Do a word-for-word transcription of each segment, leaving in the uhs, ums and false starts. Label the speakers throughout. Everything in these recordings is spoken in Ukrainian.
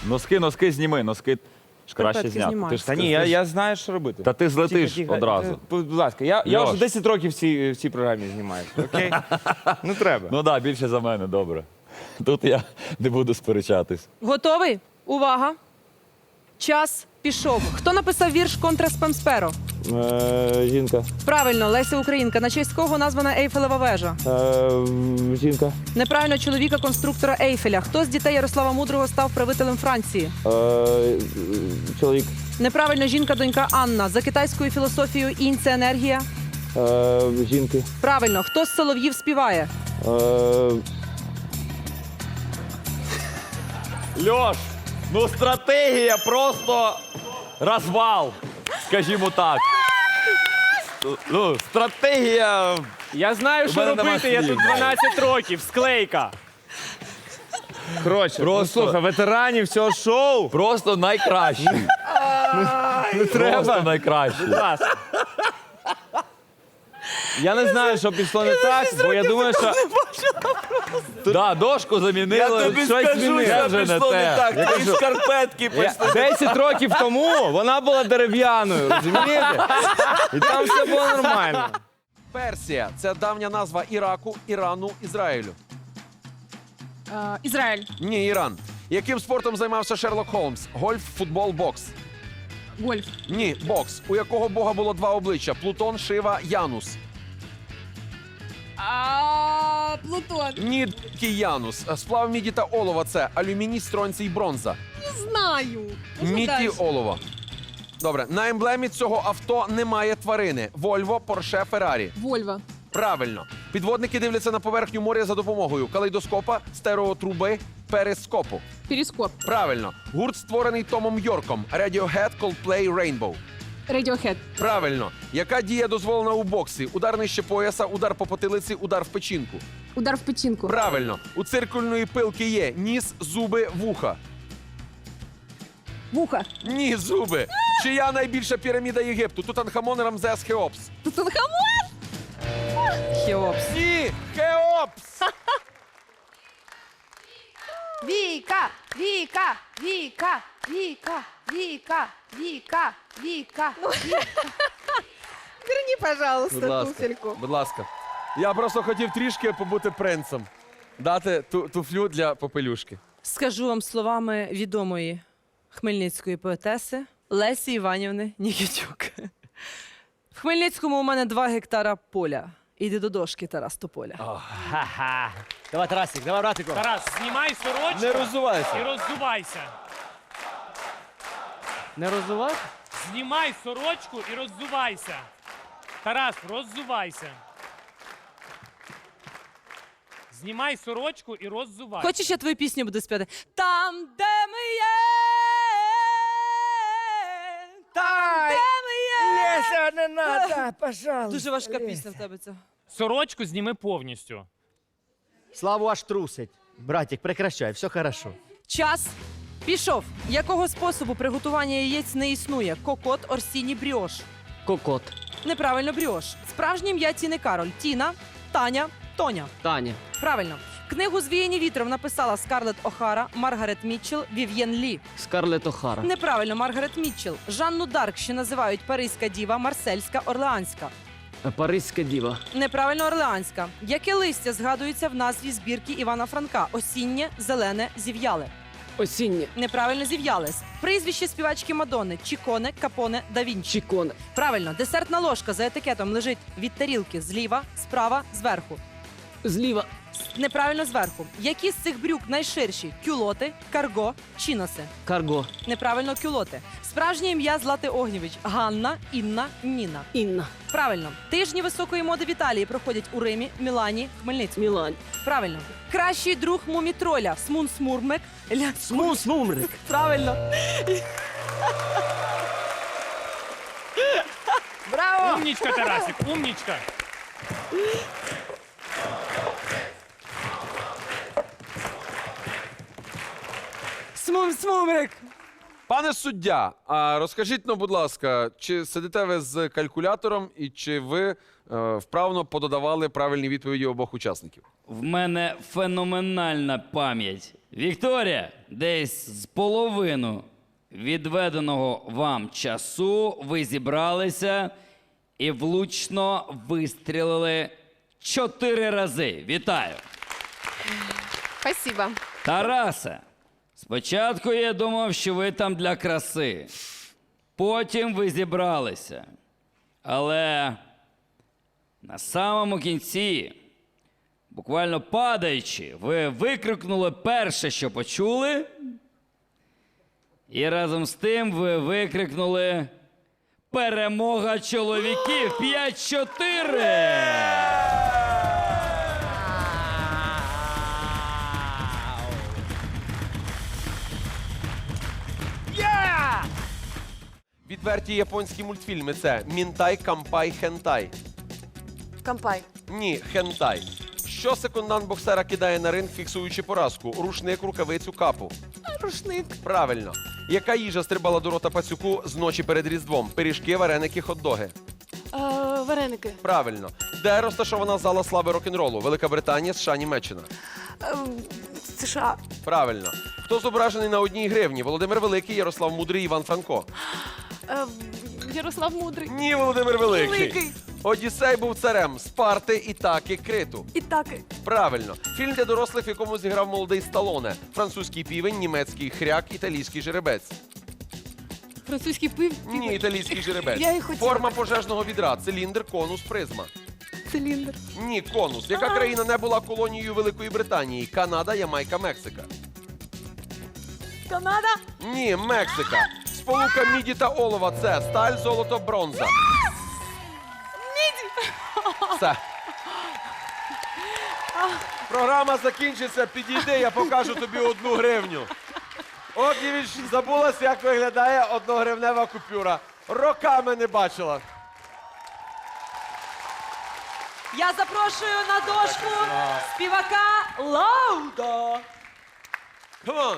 Speaker 1: Носки, носки зніми, носки краще
Speaker 2: Шкарпетки
Speaker 1: зняти.
Speaker 2: знімаю.
Speaker 1: Ти ж
Speaker 3: Та ні, я, я знаю, що робити.
Speaker 1: Та ти злетиш
Speaker 3: Тихо, тихо.
Speaker 1: одразу.
Speaker 3: Будь ласка, я, я
Speaker 1: Льош.
Speaker 3: вже десять років в цій, в цій програмі знімаю. Окей? Ну треба.
Speaker 1: Ну так, да, більше за мене, добре. Тут я не буду сперечатись.
Speaker 2: Готовий? Увага! Час пішов. Хто написав вірш «Контра спамсперо»?
Speaker 3: Е, жінка.
Speaker 2: Правильно, Леся Українка. На честь кого названа Ейфелева вежа?
Speaker 3: Е, жінка.
Speaker 2: Неправильно, чоловіка конструктора Ейфеля. Хто з дітей Ярослава Мудрого став правителем Франції?
Speaker 3: Е, чоловік.
Speaker 2: Неправильно, жінка-донька Анна. За китайською філософією інь – це енергія.
Speaker 3: Е, жінки.
Speaker 2: Правильно, хто з солов'їв співає?
Speaker 3: Е,
Speaker 1: Льош, ну стратегія просто розвал, скажімо так. Ну, стратегія...
Speaker 4: Я знаю,
Speaker 1: У
Speaker 4: що
Speaker 1: мене нема
Speaker 4: робити, я
Speaker 1: слів.
Speaker 4: тут дванадцять років, склейка.
Speaker 3: коротше,
Speaker 1: Просто-
Speaker 3: ну, слухай, ветеранів цього шоу.
Speaker 1: Просто найкращий.
Speaker 3: Не
Speaker 1: Просто найкращий.
Speaker 4: Будь ласка.
Speaker 3: Я не знаю, що пішло не так, бо я думаю, що
Speaker 1: Да, дошку замінили. щось змінили. Це вже не те.
Speaker 3: Я кажу,
Speaker 5: Шкарпетки
Speaker 3: я- десять років тому вона була дерев'яною, розумієте? І там все було нормально.
Speaker 5: Персія – це давня назва Іраку, Ірану, Ізраїлю.
Speaker 6: Е, Ізраїль.
Speaker 5: Ні, Іран. Яким спортом займався Шерлок Холмс? Гольф, футбол, бокс.
Speaker 6: Гольф.
Speaker 5: Ні, бокс. У якого бога було два обличчя? Плутон, Шива, Янус.
Speaker 6: А, Плутон.
Speaker 5: Ні, такий Янус. Сплав міді та олова – це алюміній, стронцій, бронза.
Speaker 6: Не знаю. Можна
Speaker 5: Міді,
Speaker 6: далі?
Speaker 5: олова. Добре, на емблемі цього авто немає тварини. Вольво, Порше, Феррарі.
Speaker 6: Вольва.
Speaker 5: Правильно. Підводники дивляться на поверхню моря за допомогою калейдоскопа, стереотруби, перископу.
Speaker 6: Перископ.
Speaker 5: Правильно. Гурт створений Томом Йорком. Radiohead, Coldplay, Rainbow.
Speaker 6: Radiohead.
Speaker 5: Правильно. Яка дія дозволена у боксі? Удар нижче пояса, удар по потилиці, удар в печінку.
Speaker 6: Удар в печінку.
Speaker 5: Правильно. У циркульної пилки є ніс, зуби, вуха.
Speaker 6: Вуха.
Speaker 5: Ні, зуби. Чия найбільша піраміда Єгипту? Тутанхамон, Рамзес, Хеопс.
Speaker 6: Тутанхамон.
Speaker 2: Хеопс.
Speaker 5: Ні, Хеопс.
Speaker 7: Віка, Віка, Віка, Віка, Віка, Віка, Віка, Віка.
Speaker 2: Верні, пожалуйста,
Speaker 5: Будь ласка. Будь ласка. Я просто хотів трішки побути принцем. Дати ту, туфлю для попелюшки.
Speaker 2: Скажу вам словами відомої хмельницької поетеси Лесі Іванівни Нікітюк. В Хмельницькому у мене два гектара поля. Іди до дошки, Тарас Тополя.
Speaker 4: Ха-ха.
Speaker 8: Давай, Тарасик, давай, братику.
Speaker 4: Тарас, знімай сорочку
Speaker 3: Не роззувайся.
Speaker 4: і роззувайся.
Speaker 8: Не роззувай?
Speaker 4: Знімай сорочку і роззувайся. Тарас, роззувайся. Знімай сорочку і роззувайся.
Speaker 2: Хочеш, я твою пісню буду співати? Там, де ми є, там, де ми є.
Speaker 8: Леся, не надо, пожалуйста.
Speaker 2: Дуже важка пісня в тебе ця.
Speaker 4: Сорочку зніми повністю.
Speaker 8: Славу аж трусить. Братик, прекращай, все хорошо.
Speaker 2: Час пішов. Якого способу приготування яєць не існує? Кокот, Орсіні, бріош.
Speaker 8: Кокот.
Speaker 2: Неправильно, бріош. Справжнє ім'я Тіни Кароль. Тіна, Таня, Тоня.
Speaker 8: Таня.
Speaker 2: Правильно. Книгу «Звіяні вітром» написала Скарлетт О'Хара, Маргарет Мітчелл, Вів'єн Лі.
Speaker 8: Скарлетт О'Хара.
Speaker 2: Неправильно, Маргарет Мітчелл. Жанну Дарк ще називають Паризька діва, Марсельська, Орлеанська.
Speaker 8: Паризька діва.
Speaker 2: Неправильно, Орлеанська. Яке листя згадується в назві збірки Івана Франка? Осіннє, зелене, зів'яле.
Speaker 8: Осіннє.
Speaker 2: Неправильно, зів'яле. Прізвище співачки Мадонни. Чіконе, Капоне, да Вінчі.
Speaker 8: Чіконе.
Speaker 2: Правильно, десертна ложка за етикетом лежить від тарілки зліва, справа, зверху.
Speaker 8: Зліва.
Speaker 2: Неправильно, зверху. Які з цих брюк найширші? Кюлоти, карго, чіноси.
Speaker 8: Карго.
Speaker 2: Неправильно, кюлоти. Справжнє ім'я Злати Огнєвіч. Ганна, Інна, Ніна.
Speaker 8: Інна.
Speaker 2: Правильно. Тижні високої моди в Італії проходять у Римі, Мілані, Хмельницькому.
Speaker 8: Мілань.
Speaker 2: Правильно. Кращий друг мумітроля. Смун Смурмек. Ля...
Speaker 8: Смус Мумрик.
Speaker 2: Правильно.
Speaker 8: Браво!
Speaker 4: Умнічка, Тарасик, умнічка.
Speaker 2: Смум Смумрик.
Speaker 5: Пане суддя, а розкажіть, ну, будь ласка, чи сидите ви з калькулятором і чи ви е, вправно пододавали правильні відповіді обох учасників?
Speaker 9: В мене феноменальна пам'ять. Вікторія, десь з половину відведеного вам часу ви зібралися і влучно вистрілили чотири рази. Вітаю!
Speaker 6: Спасибо.
Speaker 9: Тарасе, спочатку я думав, що ви там для краси. Потім ви зібралися. Але на самому кінці, буквально падаючи, ви викрикнули перше, що почули. І разом з тим ви викрикнули «Перемога чоловіків! п'ять-чотири!»
Speaker 5: Відверті японські мультфільми це Мінтай, Кампай, Хентай.
Speaker 7: Кампай.
Speaker 5: Ні, хентай. Що секундант боксера кидає на ринг, фіксуючи поразку? Рушник, рукавицю, капу.
Speaker 7: Рушник.
Speaker 5: Правильно. Яка їжа стрибала до рота пацюку з ночі перед Різдвом? Пиріжки, вареники, хот-доги.
Speaker 7: Е, вареники.
Speaker 5: Правильно. Де розташована зала слави рок-н-ролу? Велика Британія, США, Німеччина.
Speaker 7: Е, США.
Speaker 5: Правильно. Хто зображений на одній гривні? Володимир Великий, Ярослав Мудрий, Іван Франко.
Speaker 7: Е, Ярослав Мудрий.
Speaker 5: Ні, Володимир Великий.
Speaker 7: Великий.
Speaker 5: Одіссей був царем Спарти, Ітаки, Криту.
Speaker 7: І так.
Speaker 5: Правильно. Фільм для дорослих, в якому зіграв молодий Сталоне. Французький півень, німецький хряк, італійський жеребець.
Speaker 7: Французький пив.
Speaker 5: Ні, італійський жеребець.
Speaker 7: Я і хотіла.
Speaker 5: Форма пожежного відра. Циліндр, конус, призма.
Speaker 7: Циліндр.
Speaker 5: Ні, конус. Яка країна не була колонією Великої Британії? Канада, Ямайка, Мексика.
Speaker 7: Канада.
Speaker 5: Ні, Мексика. Сполука міді та олова – це сталь, золото, бронза.
Speaker 7: Міді.
Speaker 5: Все. Програма закінчиться. Підійди, я покажу тобі одну гривню. Огнєвіч забулась, як виглядає одногривнева купюра. Роками не бачила.
Speaker 2: Я запрошую на дошку співака Лауда.
Speaker 5: Come on.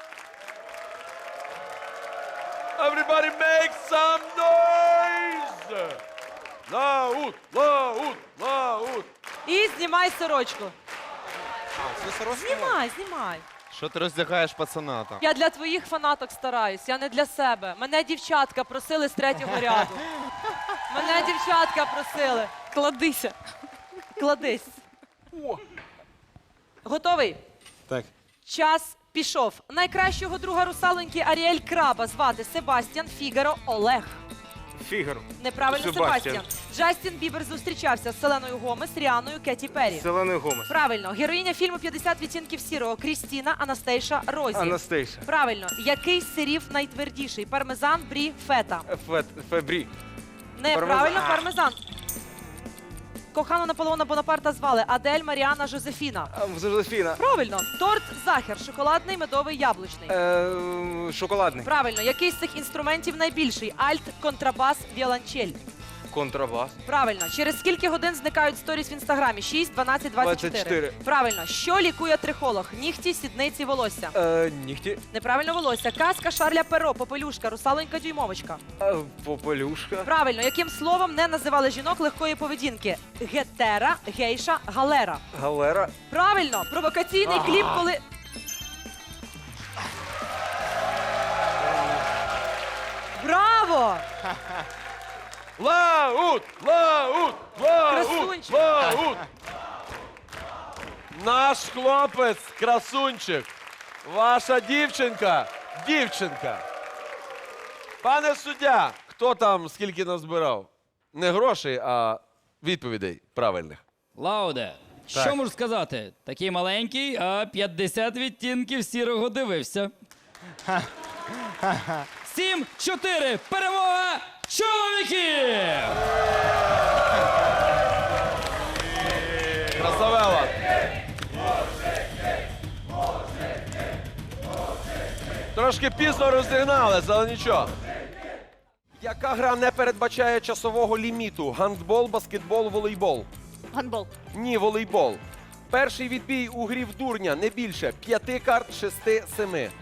Speaker 5: Everybody make some noise! Лауд, лауд, лауд.
Speaker 2: І знімай сорочку. Знімай, знімай.
Speaker 3: Що ти роздягаєш пацана там?
Speaker 2: Я для твоїх фанаток стараюсь, я не для себе. Мене дівчатка просили з третього ряду. Мене дівчатка просили.
Speaker 7: Кладися.
Speaker 2: Кладись. Готовий?
Speaker 3: Так.
Speaker 2: Час пішов. Найкращого друга русалоньки Аріель Краба звати Себастьян, Фігаро, Олег.
Speaker 3: Фігаро.
Speaker 2: Неправильно,
Speaker 3: Себастьян.
Speaker 2: Себастьян. Джастін Бібер зустрічався з Селеною Гомес, Ріаною, Кеті Перрі.
Speaker 3: Зелений Гомес.
Speaker 2: Правильно. Героїня фільму «п'ятдесят відтінків сірого» Крістіна Анастейша Розі.
Speaker 3: Анастейша.
Speaker 2: Правильно. Який з сирів найтвердіший? Пармезан, брі, фета.
Speaker 3: Фет, Фебрі.
Speaker 2: Неправильно,
Speaker 3: Пармезан.
Speaker 2: пармезан. Кохану Наполеона Бонапарта звали Адель Маріана Жозефіна.
Speaker 3: Жозефіна.
Speaker 2: Правильно. Торт Захер. Шоколадний, медовий, яблучний.
Speaker 3: Е, шоколадний.
Speaker 2: Правильно. Який з цих інструментів найбільший? Альт, контрабас, віолончель.
Speaker 3: Контрабас.
Speaker 2: Правильно. Через скільки годин зникають сторіс в інстаграмі? шість, дванадцять, двадцять чотири.
Speaker 3: двадцять чотири.
Speaker 2: Правильно. Що лікує трихолог? Нігті, сідниці, волосся.
Speaker 3: Е, нігті.
Speaker 2: Неправильно, волосся. Казка Шарля Перо, попелюшка, русалонька, дюймовочка.
Speaker 3: Е, попелюшка.
Speaker 2: Правильно. Яким словом не називали жінок легкої поведінки? Гетера, гейша, галера.
Speaker 3: Галера.
Speaker 2: Правильно. Провокаційний кліп, коли... Браво!
Speaker 5: Лауд, лауд, лауд,
Speaker 2: Красунчик.
Speaker 5: лауд. Наш хлопець, красунчик. Ваша дівчинка, дівчинка. Пане суддя, хто там скільки назбирав? Не грошей, а відповідей правильних.
Speaker 9: Лауде, що можу сказати? Такий маленький, а п'ятдесят відтінків сірого дивився. Сім, чотири, перемога чоловіків!
Speaker 5: Красавела. Трошки пізно розігналися, але нічого. Яка гра не передбачає часового ліміту? Гандбол, баскетбол, волейбол?
Speaker 7: Гандбол.
Speaker 5: Ні, волейбол. Перший відбій у грі в дурня не більше п'яти карт, шести, семи.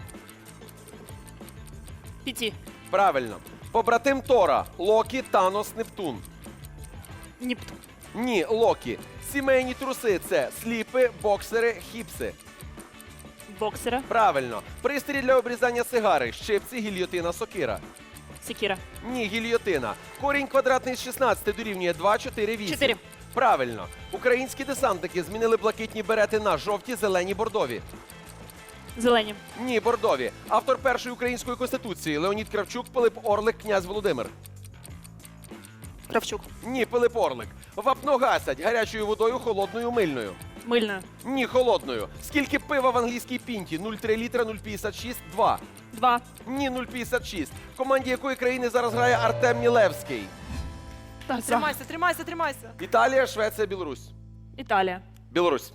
Speaker 7: Піті.
Speaker 5: Правильно. Побратим Тора. Локі, Танос, Нептун.
Speaker 7: Нептун.
Speaker 5: Ні, Локі. Сімейні труси – це сліпи, боксери, хіпси.
Speaker 7: Боксера.
Speaker 5: Правильно. Пристрій для обрізання сигари. Щипці, гільйотина, сокира.
Speaker 7: Секіра.
Speaker 5: Ні, гільйотина. Корінь квадратний з шістнадцяти дорівнює два, чотири, вісім.
Speaker 7: Чотири.
Speaker 5: Правильно. Українські десантники змінили блакитні берети на жовті, зелені, бордові.
Speaker 7: Зелені.
Speaker 5: Ні, бордові. Автор першої української конституції Леонід Кравчук, Пилип Орлик, князь Володимир.
Speaker 7: Кравчук.
Speaker 5: Ні, Пилип Орлик. Вапно гасять гарячою водою, холодною, мильною.
Speaker 7: Мильна.
Speaker 5: Ні, холодною. Скільки пива в англійській пінті? нуль цілих три літра, нуль цілих п'ятдесят шість, два.
Speaker 7: Два.
Speaker 5: Ні, нуль цілих п'ятдесят шість. В команді якої країни зараз грає Артем Мілевський?
Speaker 7: Так,
Speaker 2: Тримайся, тримайся, тримайся.
Speaker 5: Італія, Швеція, Білорусь.
Speaker 7: Італія.
Speaker 5: Білорусь.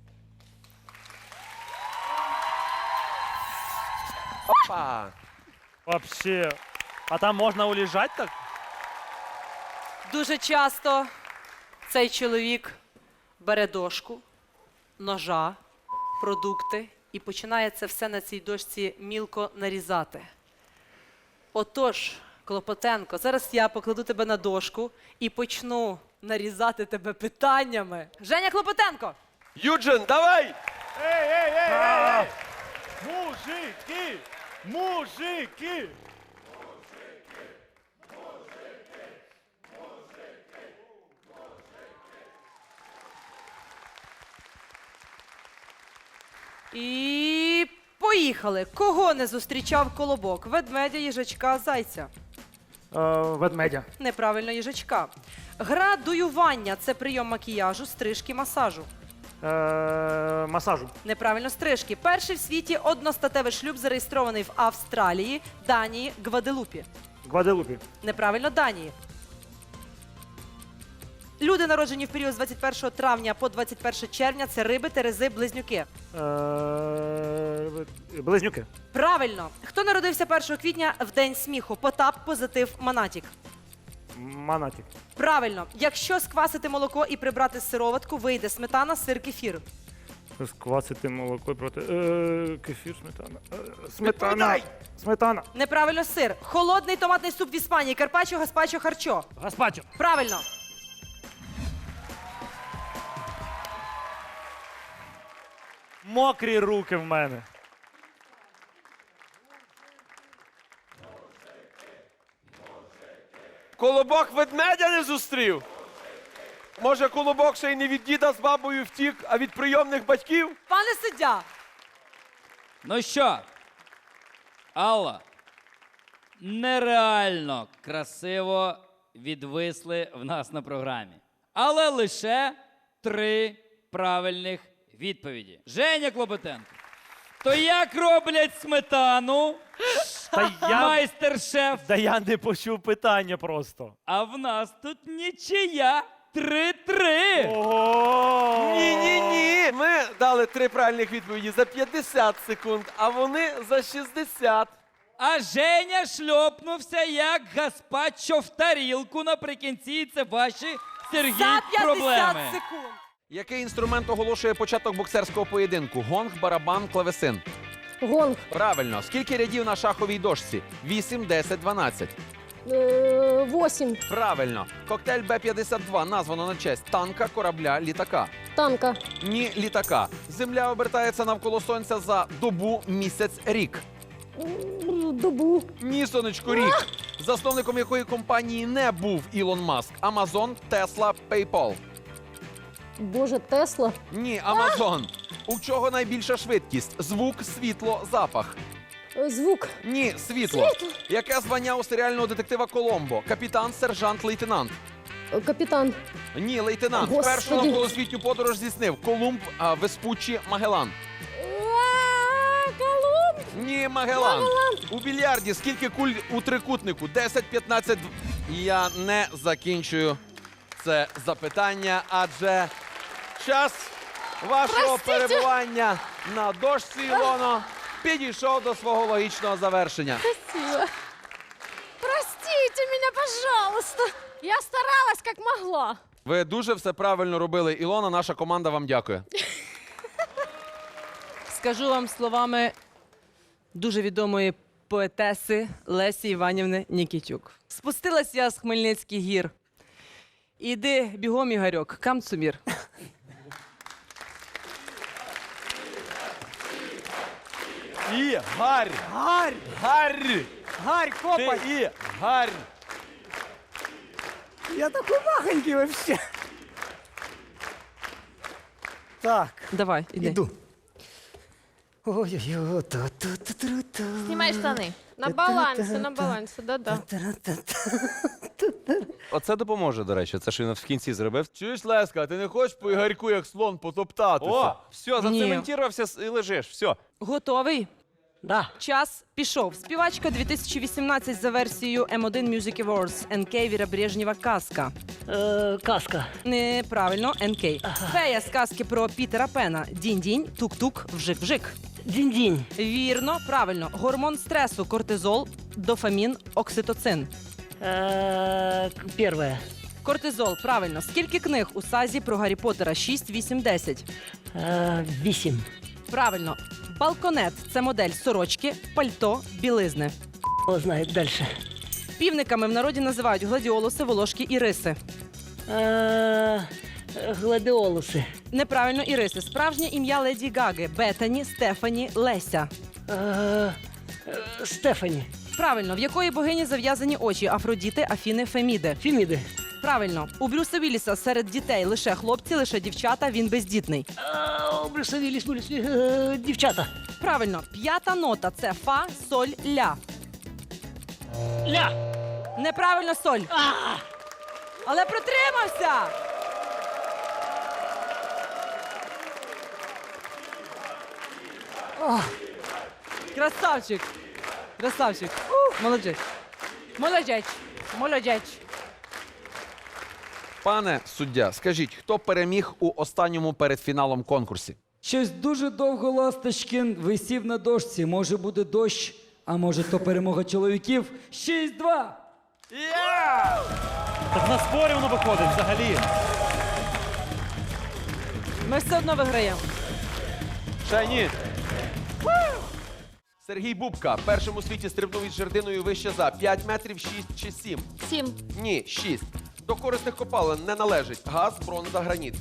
Speaker 5: Опа!
Speaker 4: Вообще. А там можна улежать так?
Speaker 2: Дуже часто цей чоловік бере дошку, ножа, продукти і починає це все на цій дошці мілко нарізати. Отож, Клопотенко, зараз я покладу тебе на дошку і почну нарізати тебе питаннями. Женя Клопотенко!
Speaker 5: Юджин, давай!
Speaker 4: Мужики! Мужики!
Speaker 2: І поїхали. Кого не зустрічав колобок? Ведмедя, їжачка, зайця.
Speaker 4: Ведмедя.
Speaker 2: Неправильно, їжачка. Гра дуювання – це прийом макіяжу, стрижки, масажу.
Speaker 4: Масажу.
Speaker 2: Неправильно, стрижки. Перший в світі одностатевий шлюб зареєстрований в Австралії, Данії, Гваделупі.
Speaker 4: Гваделупі.
Speaker 2: Неправильно, Данії. Люди, народжені в період з двадцять першого травня по двадцять перше червня – це риби, терези, близнюки.
Speaker 4: Близнюки.
Speaker 2: Правильно. Хто народився першого квітня в День сміху? Потап, Позитив, Манатік.
Speaker 4: Манатік.
Speaker 2: Правильно. Якщо сквасити молоко і прибрати сироватку, вийде сметана, сир, кефір.
Speaker 4: Сквасити молоко проти. Е, кефір, сметана. Е, сметана. Сметана.
Speaker 2: Неправильно, сир. Холодний томатний суп в Іспанії. Карпаччо, гаспачо, харчо.
Speaker 4: Гаспачо.
Speaker 2: Правильно.
Speaker 4: Мокрі руки в мене.
Speaker 5: Колобок ведмедя не зустрів? Може, колобок ще й не від діда з бабою втік, а від прийомних батьків?
Speaker 2: Пане суддя,
Speaker 9: Ну що, Алла, нереально красиво відвисли в нас на програмі. Але лише три правильних відповіді. Женя Клопотенко, то як роблять сметану?
Speaker 4: Та я,
Speaker 9: Майстер-шеф.
Speaker 4: та я не почув питання просто.
Speaker 9: А в нас тут нічия. Три-три.
Speaker 4: Ого!
Speaker 5: Ні-ні-ні. Ми дали три правильних відповіді за п'ятдесят секунд, а вони за шістдесят.
Speaker 9: А Женя шльопнувся як гаспачо в тарілку наприкінці. Це ваші, Сергій,
Speaker 2: за п'ятдесят
Speaker 9: проблеми.
Speaker 2: секунд.
Speaker 5: Який інструмент оголошує початок боксерського поєдинку? Гонг, барабан, клавесин.
Speaker 6: Гонг.
Speaker 5: Правильно. Скільки рядів на шаховій дошці? вісім, десять, дванадцять.
Speaker 6: Е, Восемь.
Speaker 5: Правильно. Коктейль Б п'ятдесят два названо на честь танка, корабля, літака.
Speaker 6: Танка.
Speaker 5: Ні, літака. Земля обертається навколо сонця за добу, місяць, рік.
Speaker 6: М, Добу.
Speaker 5: Ні, сонечко, рік. Засновником якої компанії не був Ілон Маск? Амазон, Тесла, PayPal.
Speaker 6: Боже, Тесла.
Speaker 5: Ні, Амазон. У чого найбільша швидкість? Звук, світло, запах.
Speaker 6: Е, Звук.
Speaker 5: Ні, світло. Яке звання у серіального детектива Коломбо? Капітан, сержант, лейтенант.
Speaker 6: Е, Капітан.
Speaker 5: Ні, лейтенант.
Speaker 6: Господи.
Speaker 5: Першу навколосвітню подорож здійснив Колумб, а, Веспуччі, Магелан.
Speaker 6: Колумб.
Speaker 5: Ні, Магелан. У більярді скільки куль у трикутнику? десять, п'ятнадцять. Я не закінчую це запитання, адже час вашого перебування на дошці, Ілоно, підійшов до свого логічного завершення.
Speaker 6: Спасибо. Простите меня, пожалуйста. Я старалась, как могла.
Speaker 5: Ви дуже все правильно робили, Ілона. Наша команда вам дякує.
Speaker 2: Скажу вам словами дуже відомої поетеси Лесі Іванівни Нікітюк. Спустилась я з Хмельницьких гір. Іди бігом, Ігорьок, камцумір.
Speaker 3: І гарь.
Speaker 8: Гарь!
Speaker 3: Гарь.
Speaker 8: Гарь,
Speaker 3: Ти
Speaker 8: копай!
Speaker 3: і гарь.
Speaker 8: Я такой махонький вообще. Так,
Speaker 2: Давай, іди.
Speaker 8: іду. Ой-ой-ой, ту-ту-ту-ту-ту.
Speaker 6: Знімай штани. На балансі, на балансі, да-да.
Speaker 5: Оце допоможе, до речі. Це що він в кінці зробив.
Speaker 3: Чуєш, Леска, ти не хочеш по Ігорьку, як слон, потоптатися?
Speaker 5: О, все,
Speaker 2: Ні.
Speaker 5: зацементувався і лежиш. Все.
Speaker 2: Готовий?
Speaker 8: Да.
Speaker 2: Час пішов. Співачка дві тисячі вісімнадцять за версією ем один Music Awards. ен кей Віра Брежнєва «Казка».
Speaker 8: Е, каска.
Speaker 2: Неправильно, ен кей. Фея з казки про Пітера Пена. Дінь-дінь, тук-тук, вжик-вжик.
Speaker 8: Дінь-дінь.
Speaker 2: Вірно, правильно. Гормон стресу, кортизол, дофамін, окситоцин.
Speaker 8: Е, перше.
Speaker 2: Кортизол, правильно. Скільки книг у сазі про Гаррі Поттера? шість, вісім, десять.
Speaker 8: Е, вісім.
Speaker 2: Правильно. Балконет – це модель сорочки, пальто, білизни.
Speaker 8: Хто знає далі.
Speaker 2: Півниками в народі називають гладіолуси, волошки і риси.
Speaker 8: Е, гладіолуси.
Speaker 2: Неправильно іриси. Справжнє ім'я Леді Гаги – Бетані, Стефані, Леся.
Speaker 8: Е, е, Стефані.
Speaker 2: Правильно. В якої богині зав'язані очі? Афродіти, Афіни, Феміди.
Speaker 8: Феміди.
Speaker 2: Правильно. У Брюса Вілліса серед дітей лише хлопці, лише дівчата, він бездітний.
Speaker 8: Е, Брюса Вілліс, Вілліс, е, дівчата.
Speaker 2: Правильно. П'ята нота – це фа, соль, ля.
Speaker 8: Ля.
Speaker 2: Неправильно соль. Але протримався. Красавчик. Красавчик. Молодець. Молодець. Молодець.
Speaker 5: Пане суддя, скажіть, хто переміг у останньому передфіналом конкурсі?
Speaker 10: Щось дуже довго Ласточкін висів на дошці. Може буде дощ, а може то перемога чоловіків. шість-два.
Speaker 4: Так на спорі воно виходить взагалі.
Speaker 2: Ми все одно виграємо.
Speaker 5: Ще ні. Сергій Бубка. Першим у світі стрибнув із жердиною вище за п'ять метрів, шість чи сім.
Speaker 6: Сім.
Speaker 5: Ні, шість. До корисних копалин не належить газ, бронза, граніт.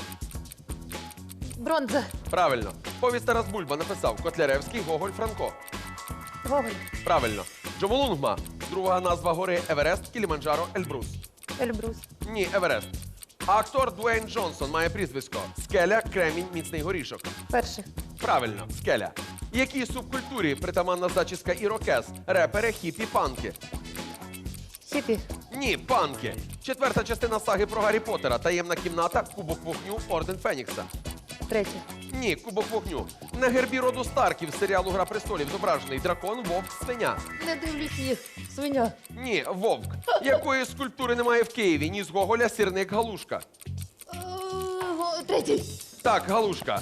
Speaker 6: Бронза.
Speaker 5: Правильно. Повість Тарас Бульба написав Котляревський, Гоголь, Франко.
Speaker 6: Гоголь.
Speaker 5: Правильно. Джомолунгма. Друга назва гори Еверест, Кіліманджаро, Ельбрус.
Speaker 6: Ельбрус.
Speaker 5: Ні, Еверест. А актор Дуейн Джонсон має прізвисько Скеля, Кремінь, Міцний горішок.
Speaker 6: Перший.
Speaker 5: Правильно, Скеля. Якій субкультурі притаманна зачіска ірокез? Репери, хіпі, панки.
Speaker 6: Хіпі.
Speaker 5: Ні, панки. Четверта частина саги про Гаррі Поттера. Таємна кімната, Кубок вогню, Орден Фенікса.
Speaker 6: Третій.
Speaker 5: Ні, Кубок вогню. На гербі роду Старків з серіалу Гра престолів зображений дракон, вовк, свиня.
Speaker 6: Не дивлюсь їх. Свиня.
Speaker 5: Ні, вовк. Якої скульптури немає в Києві? Ні з Гоголя, сірник, галушка.
Speaker 6: Е, Третій.
Speaker 5: Так, галушка.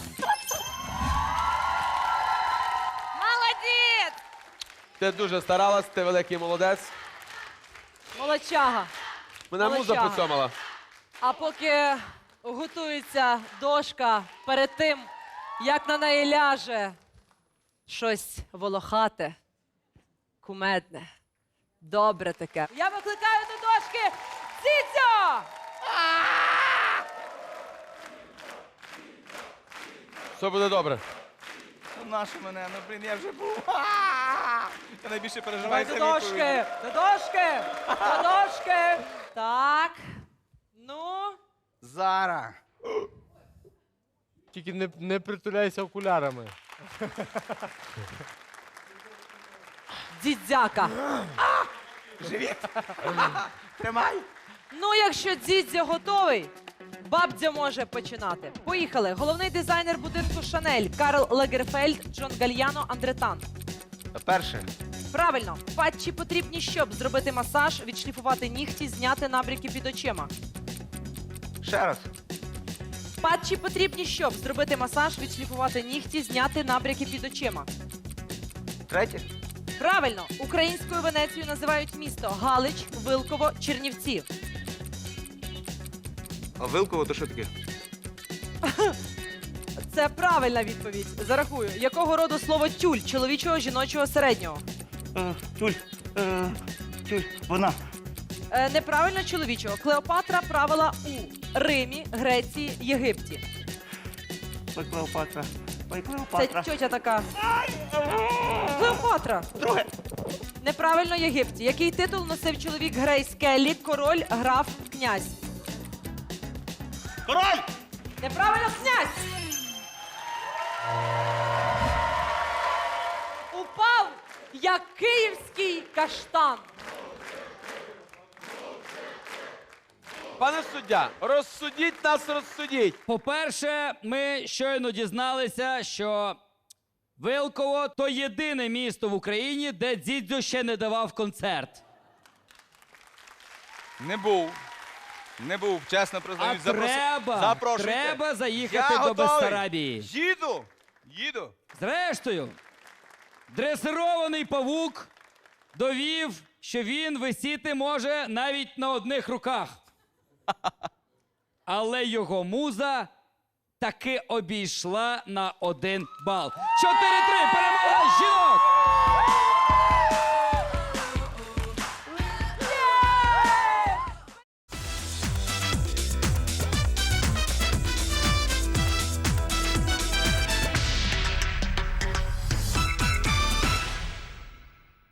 Speaker 2: Молодець!
Speaker 5: Ти дуже старалась, ти великий молодець.
Speaker 2: Молодчага.
Speaker 5: Мене муза
Speaker 2: Молодчага.
Speaker 5: поцьомала.
Speaker 2: А поки готується дошка перед тим, як на неї ляже щось волохате, кумедне, добре таке. Я викликаю до дошки Цицю!
Speaker 5: Все буде добре.
Speaker 3: Нашу мене, ну блін, я вже був. Я найбільше
Speaker 2: Давай
Speaker 3: переживаю
Speaker 2: до
Speaker 3: за
Speaker 2: дошки! До дошки! До дошки! Так. Ну.
Speaker 8: Зара.
Speaker 3: Тільки не, не притуляйся окулярами.
Speaker 2: Дідзяка.
Speaker 8: Тримай.
Speaker 2: Ну, якщо дідзя готовий, бабдя може починати. Поїхали. Головний дизайнер будинку Шанель Карл Лагерфельд, Джон Гальяно, Андретан.
Speaker 8: Перше.
Speaker 2: Правильно. Патчі потрібні, щоб зробити масаж, відшліфувати нігті, зняти набряки під очима.
Speaker 8: Ще раз.
Speaker 2: Патчі потрібні, щоб зробити масаж, відшліфувати нігті, зняти набряки під очима.
Speaker 8: Третє.
Speaker 2: Правильно. Українською Венецією називають місто Галич, Вилково, Чернівці.
Speaker 3: А Вилково то що таке?
Speaker 2: Це правильна відповідь. Зарахую. Якого роду слово тюль? Чоловічого, жіночого, середнього?
Speaker 8: Е, тюль. Е, тюль. Вона.
Speaker 2: Е, неправильно чоловічого. Клеопатра правила у Римі, Греції, Єгипті.
Speaker 8: Клеопатра.
Speaker 2: Це тьотя така. Клеопатра.
Speaker 8: Друге.
Speaker 2: Неправильно Єгипті. Який титул носив чоловік Грейс Келлі? Король, граф, князь.
Speaker 8: Король!
Speaker 2: Неправильно князь. Упав, як київський каштан.
Speaker 5: Пане суддя, розсудіть нас, розсудіть.
Speaker 9: По-перше, ми щойно дізналися, що Вилково – то єдине місто в Україні, де Дзідзьо ще не давав концерт.
Speaker 1: Не був. Не був, чесно
Speaker 9: А
Speaker 1: признаюсь.
Speaker 9: треба,
Speaker 1: Запрошуйте.
Speaker 9: треба заїхати
Speaker 1: Я
Speaker 9: до
Speaker 1: готовий.
Speaker 9: Бессарабії.
Speaker 1: Їду. Їду.
Speaker 9: Зрештою, дресирований павук довів, що він висіти може навіть на одних руках. Але його муза таки обійшла на один бал. чотири три, перемога жінок!